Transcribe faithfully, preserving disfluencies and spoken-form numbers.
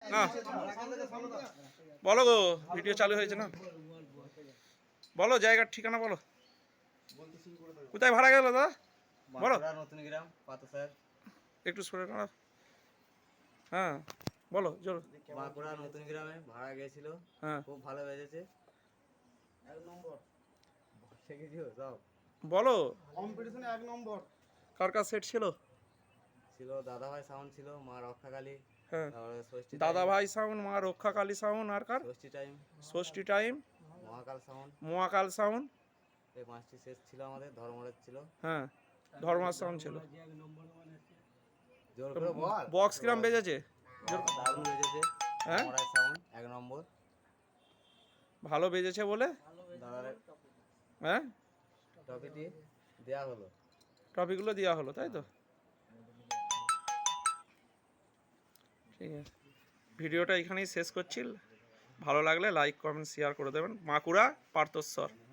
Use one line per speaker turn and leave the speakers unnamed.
না বলো গো, ভিডিও চালু হয়েছে না? বলো জায়গার ঠিকানা বলো। কোথায় ভাড়া গেল দাদা বলো।
নতুন গ্রাম পাতসার।
একটু সরে না। হ্যাঁ বলো জোর।
বাঁকুড়া নতুন গ্রামে ভাড়া গেছিল।
হ্যাঁ
খুব ভালো বেজেছে। এক নম্বর শিখেছিও সব।
বলো
কম্পিটিশনে এক নম্বর।
কার কার সেট ছিল?
ছিল দাদাভাই সাউন্ড ছিল, মা রক্ষাকালী।
হ্যাঁ
তারপরে ষষ্ঠী
দাদা ভাই সাউন্ড, মা রক্ষা কালী সাউন্ড, আর কার?
Shashthi time,
Shashthi time,
Mahakal sound.
Mahakal sound.
এই পাঁচটি শেষ ছিল আমাদের। ধর্মরাজ ছিল।
হ্যাঁ ধর্মা সাউন্ড ছিল।
জোর করে বল।
বক্স কিরাম বেজেছে?
দারুণ বেজেছে।
হ্যাঁ
ধর্মরাজ সাউন্ড এক নম্বর।
ভালো বেজেছে বলে
দাদার
হ্যাঁ
ট্রফিটি দেয়া হলো।
টপিকগুলো দেওয়া হলো তাই তো? ঠিক আছে, ভিডিওটা এখানেই শেষ করছি। ভালো লাগলে লাইক কমেন্ট শেয়ার করে দেবেন। বাঁকুড়া পার্থস্বর।